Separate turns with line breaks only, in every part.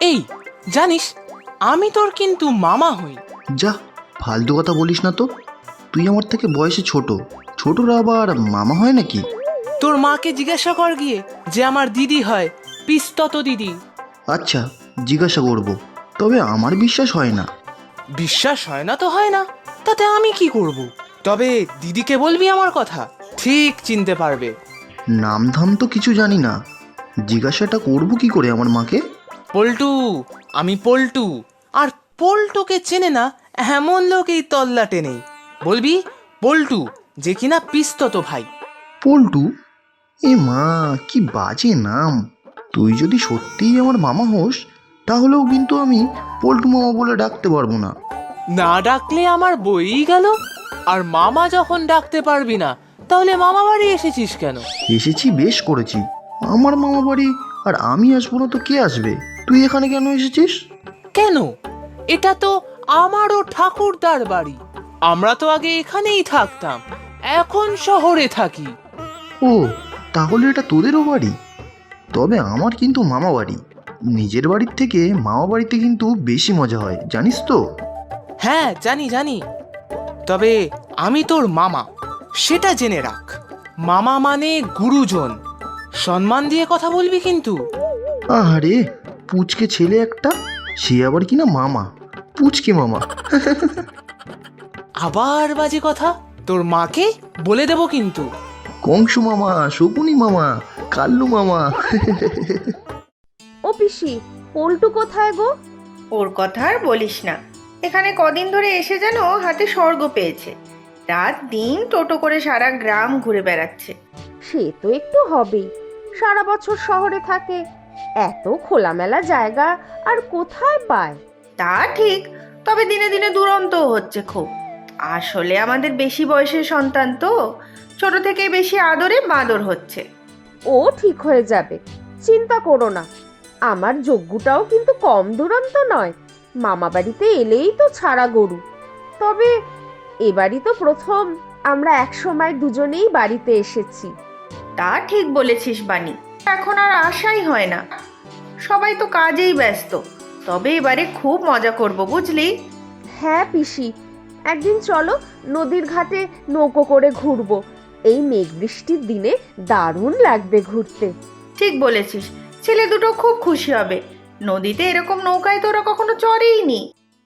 এই জানিস, আমি তোর কিন্তু মামা হই।
যা, ফালতু কথা বলিস না তো। তুই আমার থেকে বয়সে ছোট, ছোটরা আবার মামা হয় নাকি?
তোর মাকে জিজ্ঞাসা কর গিয়ে যে আমার দিদি হয়, পিস্তত দিদি।
আচ্ছা, জিজ্ঞাসা করব, তবে আমার বিশ্বাস হয় না।
বিশ্বাস হয় না তো হয় না, তাতে আমি কি করব? তবে দিদিকে বলবি আমার কথা, ঠিক চিনতে পারবে।
নাম ধাম তো কিছু জানি না, জিজ্ঞাসাটা করব কি করে আমার মাকে?
পল্টু, আমি পল্টু। আর পল্টুকে চেনে না এমন লোক এই তল্লাটে নেই। বলবি পল্টু, যে কিনা পিস্তত ভাই।
পল্টু? এ মা, কি বাজে নাম! তুই যদি সত্যিই আমার মামা হোস, তাহলেও কিন্তু আমি পল্টু মামা বলে ডাকতে পারবো না।
না ডাকলে আমার বইই গেল। আর মামা যখন ডাকতে পারবি না, তাহলে মামা বাড়ি এসেছিস কেন?
এসেছি বেশ করেছি, আমার মামা বাড়ি আর আমি আসবো না তো কে আসবে? তুই এখানে কেন এসেছিস?
কেন? এটা তো আমারও ঠাকুরদার বাড়ি। আমরা তো আগে এখানেই থাকতাম, এখন শহরে থাকি।
ও, তাহলে এটা তোদেরও বাড়ি? তবে আমার কিন্তু মামা বাড়ি। নিজের বাড়ির থেকে মামা বাড়িতে কিন্তু বেশি মজা হয়, জানিস তো?
হ্যাঁ জানি জানি, তবে আমি তোর মামা, সেটা জেনে রাখ। মামা মানে গুরুজন, সম্মান দিয়ে কথা বলবি কিন্তু।
আরে, পুচকে ছেলে একটা, সে আবার কিনা মামা, পুচকে মামা।
আবার বাজে কথা, তোর মাকে বলে দেব কিন্তু।
কংসু মামা, শকুনি মামা, কাল্লু মামা।
ও পিসি, পল্টু কোথায় গো?
ওর কথা আর বলিস না। এখানে কদিন ধরে এসে যেন হাতে স্বর্গ পেয়েছে। রাত দিন টোটো করে সারা গ্রাম ঘুরে বেড়াচ্ছে।
সে তো একটু হবেই, সারা বছর শহরে থাকে, এত খোলামেলা জায়গা আর কোথায় পায়?
তা ঠিক, তবে দিনে দিনে দুরন্তও হচ্ছে খুব। আসলে আমাদের বেশি বয়সের সন্তান তো, ছোট থেকে বেশি আদরে বাঁদর হচ্ছে।
ও ঠিক হয়ে যাবে, চিন্তা করো না। আমার যজ্ঞটাও কিন্তু কম দুরন্ত নয়, মামা বাড়িতে এলেই তো ছাড়া গরু। তবে এবারই তো প্রথম আমরা একসময় দুজনেই বাড়িতে এসেছি।
তা ঠিক বলেছিস বানি, এখন আর আশাই হয় না। সবাই তো কাজেই ব্যস্ত। তবে এবারে খুব মজা করব, বুঝলি?
হ্যাঁ পিসি, একদিন চলো নদীর ঘাটে নৌকো করে ঘুরবো। এই মেঘ বৃষ্টির দিনে দারুণ লাগবে ঘুরতে।
ঠিক বলেছিস, ছেলে দুটো খুব খুশি হবে। নদীতে এরকম নৌকায় তো ওরা কখনো চড়েইনি।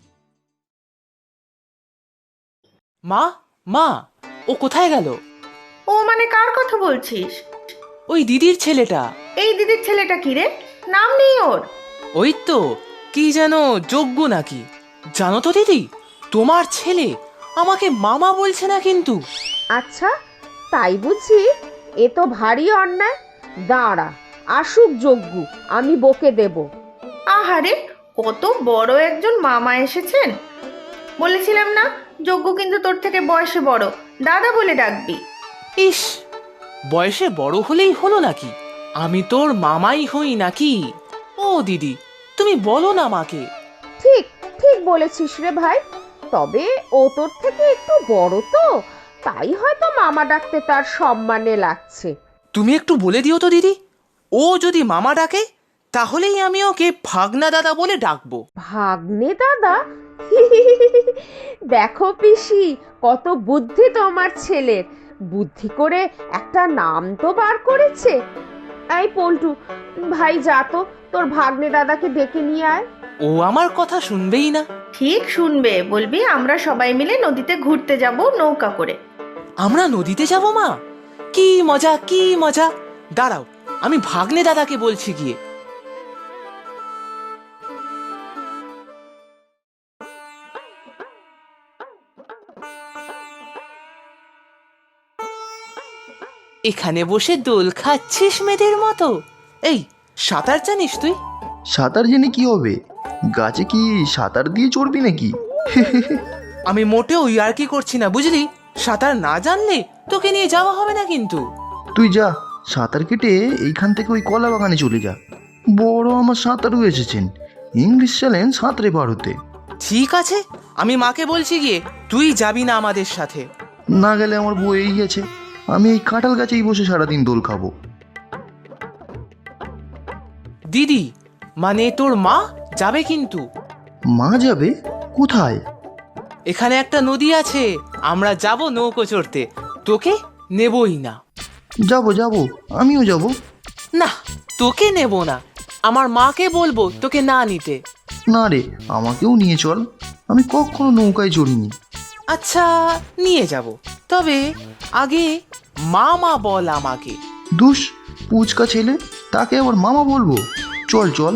মা, মা, ও কোথায় গেল?
ও মানে কার কথা বলছিস?
ওই দিদির ছেলেটা।
এই দিদির ছেলেটা কি রে? নাম নেই ওর?
ওই তো, কি যেন যজ্ঞ নাকি। জানো তো দিদি, তোমার ছেলে আমাকে মামা বলছে না কিন্তু।
আচ্ছা, তাই বুঝি? এ তো ভারী অন্যায়। দাঁড়া, আসুক যজ্ঞ, আমি বকে দেব।
আহারে, কত বড় একজন মামা এসেছেন। বলেছিলাম না, যজ্ঞ কিন্তু তোর থেকে বয়সে বড়, দাদা বলে ডাকবি।
ইস, বয়সে বড় হলেই হলো নাকি? আমি তোর মামাই হই নাকি? ও দিদি, তুমি বলো না মাকে।
ঠিক ঠিক বলেছিস রে ভাই। তবে ও তোর থেকে একটু বড় তো, তাই হয়তো মামা ডাকতে তার সম্মানে লাগছে।
তুমি একটু বলে দিও তো দিদি, ও যদি মামা ডাকে তাহলেই আমি ওকে ভাগনা দাদা বলে ডাকবো।
ভাগ্নে দাদা? দেখো পিসি, কত বুদ্ধি তোমার ছেলের। বুদ্ধি করে একটা নাম তো বার করেছে। এই পল্টু, ভাই যা তো, তোর ভাগ্নে দাদাকে ডেকে নিয়ে আয়।
ও আমার কথা শুনবেই না।
ঠিক শুনবে, বলবি আমরা সবাই মিলে নদীতে ঘুরতে যাব নৌকা করে।
আমরা নদীতে যাব মা? কি মজা, কি মজা! দাঁড়াও, আমি ভাগ্নে দাদাকে বলছি গিয়ে। এখানে বসে দোল খাচ্ছিস মেয়েদের মতো? এই, সাঁতার জানিস তুই?
সাঁতার জেনে কি হবে? গাছে কি সাঁতার দিয়ে চড়বি নাকি?
আমি মোটেও ইয়ার্কি করছি না, বুঝলি? সাঁতার না জানলে তোকে নিয়ে যাওয়া হবে না কিন্তু।
তুই যা, সাঁতার কেটে এইখান থেকে ওই কলা বাগানে চলে যা। বড় আমার সাঁতারু এসেছেন, ইংলিশ চ্যালেঞ্জ সাঁতরে পার হতে।
ঠিক আছে, আমি মাকে বলছি গিয়ে, তুই যাবি না আমাদের সাথে।
না গেলে আমার বউ এই গেছে, আমি এই কাঁঠাল গাছেই বসে সারাদিন দোল খাবো।
দিদি মানে তোর মা যাবে কিন্তু।
মা যাবে কোথায়?
এখানে একটা নদী আছে, আমরা যাব নৌকো চড়তে, তোকে নেবই না।
যাব যাব, আমিও যাব।
না, তোকে নেব না, আমার মাকে বলবো তোকে না নিতে।
না রে, আমাকেও নিয়ে চল, আমি কখনো নৌকায় চড়িনি।
আচ্ছা, নিয়ে যাব, তবে আগে মামা বল আমাকে।
দুষ, পুচকা ছেলে, তাকে আবার মামা বলবো? চল চল।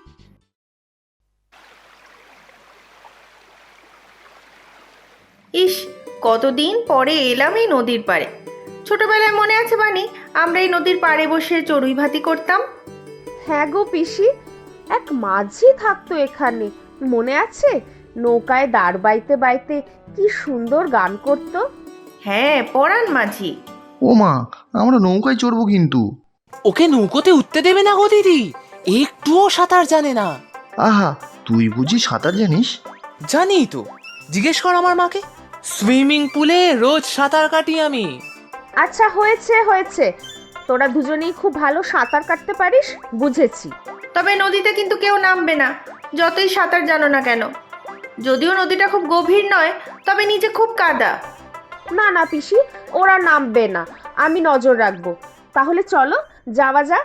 ইস, কতদিন পরে এলাম এই নদীর পাড়ে। ছোটবেলায় মনে আছে বানি, আমরা এই নদীর পাড়ে বসে চড়ুই ভাতি করতাম।
হ্যাঁ গো পিসি, এক মাঝি থাকতো এখানে, মনে আছে? নৌকায় দাঁড় বাইতে বাইতে কি সুন্দর গান করতো।
হ্যাঁ, পরাণ মাঝি।
ও মা, আমরা নৌকায় চড়বো কিন্তু।
ওকে নৌকোতে উঠতে দেবে না গো দিদি, একটুও সাঁতার জানে না।
আহা, তুই বুঝি সাঁতার জানিস?
জানি তো, জিজ্ঞেস কর আমার মাকে। সুইমিং পুলে রোজ সাঁতার কাটি আমি।
আচ্ছা হয়েছে হয়েছে, তোরা দুজনেই খুব ভালো সাঁতার কাটতে পারিস, বুঝেছি।
তবে নদীতে কিন্তু কেউ নামবে না, যতই সাঁতার জানো না কেন। যদিও নদীটা খুব গভীর নয়, তবে নিচে খুব কাদা।
না না পিসি, ওরা নামবে না, আমি নজর রাখবো। তাহলে চলো যাওয়া যাক।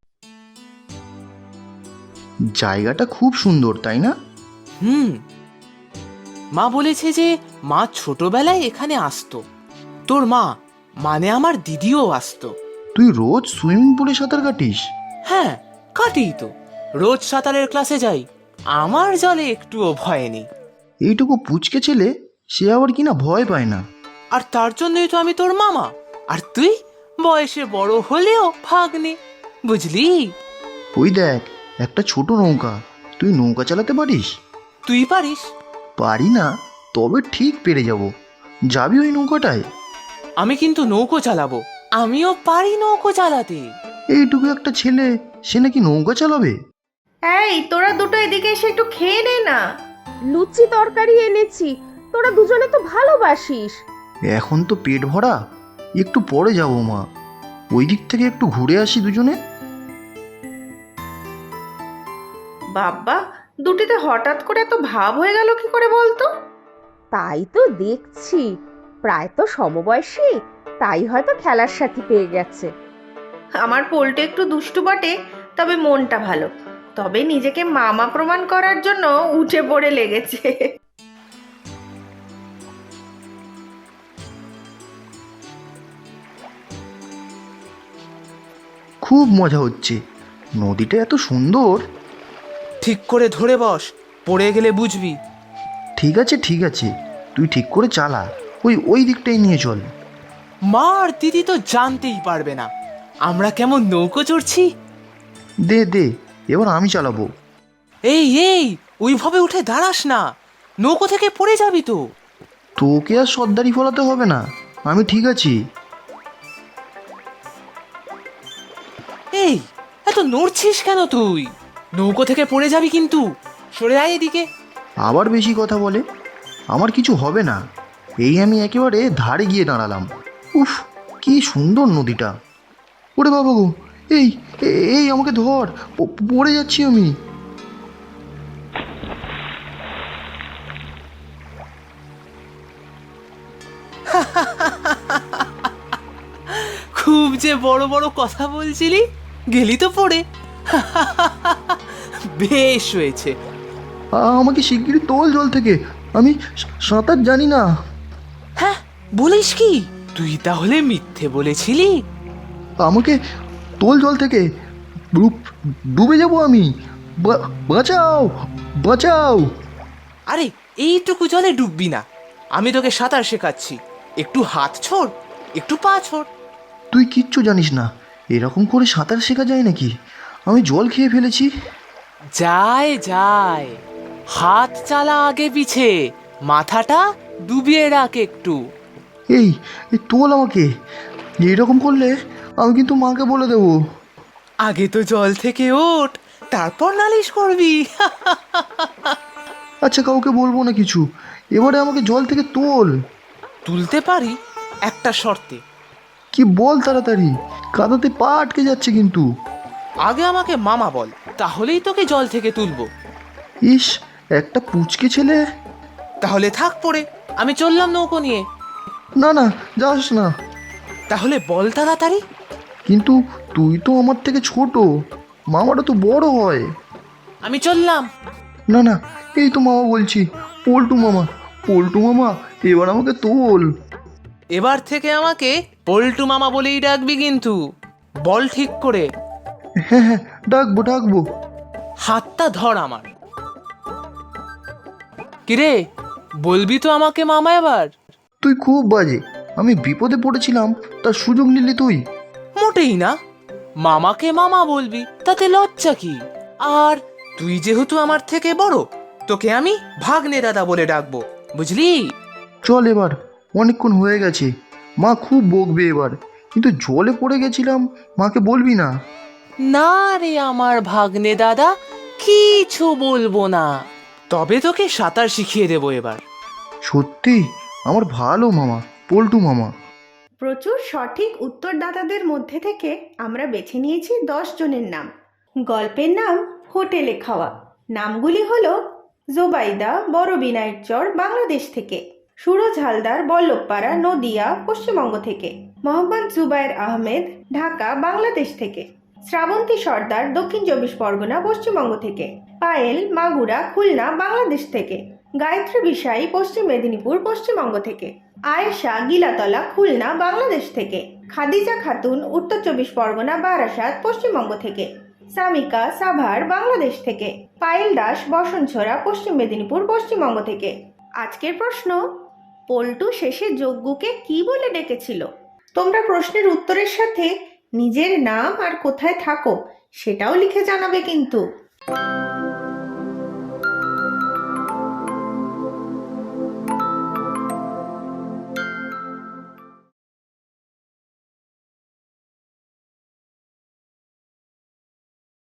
জায়গাটা খুব সুন্দর, তাই না?
মা বলেছে যে মা ছোটবেলায় এখানে আসতো। তোর মা মানে আমার দিদিও আসতো।
তুই রোজ সুইমিং পুলে সাঁতার কাটিস?
হ্যাঁ, কাটি তো, রোজ সাঁতারের ক্লাসে যাই, আমার জলে একটুও ভয় নেই।
এইটুকু পুচকে ছেলে, সে আবার কিনা ভয় পায় না।
আর তার জন্যই তো আমি তোর মামা, আর তুই বয়সে বড় হলেও ভাগ্নে, বুঝলি?
ওই দেখ, একটা ছোট নৌকা, তুই নৌকা চালাতে পারিস?
তুই পারিস?
পারি না, তবে ঠিক পেরে যাব। যাবি ওই নৌকাটায়?
আমি কিন্তু নৌকো চালাবো, আমিও পারি নৌকো চালাতে।
এইটুকু একটা ছেলে, সে নাকি নৌকা চালাবে?
এই, তোরা দুটো এদিকে এসে একটু খেয়ে নে না।
লুচি তরকারি এনেছি, তোরা দুজনে তো ভালোবাসিস।
এখন তো পেট ভরা, একটু পরে যাব মা। ওই দিক থেকে একটু ঘুরে আসি দুজনে।
বাবা, দুটিতে হঠাৎ করে এত ভাব হয়ে গেল কি করে বলতো?
তাই তো দেখছি, প্রায় তো সমবয়সী, তাই হয়তো খেলার সাথী পেয়ে গেছে।
আমার পোলটা একটু দুষ্টু বটে, তবে মনটা ভালো। তবে নিজেকে মামা প্রমাণ করার জন্য উঠে পড়ে লেগেছে।
খুব মজা হচ্ছে, নদীটা এত সুন্দর।
ঠিক করে ধরে বস, পড়ে গেলে বুঝবি।
ঠিক আছে ঠিক আছে, তুই ঠিক করে চালা, ওই ওই দিকটাই নিয়ে চল।
মা আর দিদি তো জানতেই পারবে না আমরা কেমন নৌকো চড়ছি।
দে দে, এবার আমি চালাবো।
এই এই, ওইভাবে উঠে দাঁড়াস না, নৌকো থেকে পড়ে যাবি তো।
তোকে আর সর্দারি ফলাতে হবে না, আমি ঠিক আছি।
এই, এত নড়ছিস কেন তুই? নৌকো থেকে পড়ে যাবি কিন্তু, সরে আয় এদিকে।
আবার বেশি কথা বলে, আমার কিছু হবে না। এই আমি একেবারে ধারে গিয়ে দাঁড়ালাম। উফ, কি সুন্দর নদীটা। ওরে বাবা গো, এই এই আমাকে ধর, পড়ে যাচ্ছি আমি।
খুব যে বড় বড় কথা বলছিলি, গেলি তো পড়ে। বেশ হয়েছে।
আমাকে শিগগিরই তোল জল থেকে, আমি সাঁতার জানি না।
হ্যাঁ, বলিস কি? তুই তাহলে মিথ্যে বলেছিলি?
আমাকে তোল জল থেকে, ডুবে যাব আমি। বাঁচাও বাঁচাও।
আরে, এইটুকু জলে ডুববি না, আমি তোকে সাঁতার শেখাচ্ছি। একটু হাত ছোড়, একটু পা ছোড়।
তুই কিচ্ছু জানিস না, এরকম করে সাঁতার শেখা যায় নাকি? আমি জল খেয়ে ফেলেছি।
যায় যায়, হাত চালা আগে পিছে, মাথাটা ডুবিয়ে রাখ একটু।
এই এই তোল আমাকে, এরকম করলে আমি কিন্তু মাকে বলে দেবো।
আগে তো জল থেকে ওঠ, তারপর নালিশ করবি।
আচ্ছা, কাউকে বলবো না কিছু, এবারে আমাকে জল থেকে তোল।
তুলতে পারি, একটা শর্তে।
কি বল তাড়াতাড়ি, কাদাতে পা আটকে যাচ্ছে কিন্তু।
আগে আমাকে মামা বল, তাহলেই তোকে জল থেকে তুলবো।
ইস, একটা পুচকে ছেলে।
তাহলে থাক পড়ে, আমি চললাম নৌকো নিয়ে।
না না, যাস না।
তাহলে বল তাড়াতাড়ি।
কিন্তু তুই তো আমার থেকে ছোট, মামাটা তো বড় হয়।
আমি চললাম।
না না, এই তো মামা বলছি, পল্টু মামা, পল্টু মামা, এবার আমাকে তোল।
এবার থেকে আমাকে পল্টু মামা বলেই ডাকবি কিন্তু, বল ঠিক করে।
হ্যাঁ হ্যাঁ, ডাকবো ডাকবো।
হাতটা ধর আমার। কিরে, বলবি তো আমাকে মামা এবার?
তুই খুব বাজে, আমি বিপদে পড়েছিলাম, তার সুযোগ নিলি তুই।
মোটেই না, মামাকে মামা বলবি, তাতে লজ্জা কি? আর তুই যেহেতু আমার থেকে বড়, তোকে আমি ভাগ্নে দাদা বলে ডাকবো, বুঝলি?
চল এবার, অনেকক্ষণ হয়ে গেছে, মা খুব বকবে এবার। কিন্তু জলে পড়ে গেছিলাম, মাকে বলবি না।
না রে আমার ভাগ্নে দাদা, কিছু বলবো না। তবে তোকে সাঁতার শিখিয়ে দেবো এবার।
সত্যি, আমার ভালো মামা, পল্টু মামা।
প্রচুর সঠিক উত্তরদাতাদের মধ্যে থেকে আমরা বেছে নিয়েছি 10 জনের নাম। গল্পের নাম হোটেলে খাওয়া। নামগুলি হলো জোবাইদা, বড় বিনায়কচর, বাংলাদেশ থেকে; সুরজ হালদার, বল্লভপাড়া, নদিয়া, পশ্চিমবঙ্গ থেকে; মোহাম্মদ জুবায়ের আহমেদ, ঢাকা, বাংলাদেশ থেকে; শ্রাবন্তী সর্দার, দক্ষিণ 24 পরগনা, পশ্চিমবঙ্গ থেকে; পায়েল, মাগুরা, খুলনা, বাংলাদেশ থেকে; গায়ত্রী বিষাই, পশ্চিম মেদিনীপুর, পশ্চিমবঙ্গ থেকে; আয়েশা, গিলাতলা, খুলনা, বাংলাদেশ থেকে; খাদিজা খাতুন, উত্তর 24 পরগনা, বারাসাত, পশ্চিমবঙ্গ থেকে; সামিকা, সাভার, বাংলাদেশ থেকে; পায়েল দাস, বসনছড়া, পশ্চিম মেদিনীপুর, পশ্চিমবঙ্গ থেকে। আজকের প্রশ্ন, পল্টু শেষে যজ্ঞকে কি বলে ডেকেছিল? তোমরা প্রশ্নের উত্তরের সাথে নিজের নাম আর কোথায় থাকো সেটাও লিখে জানাবে কিন্তু।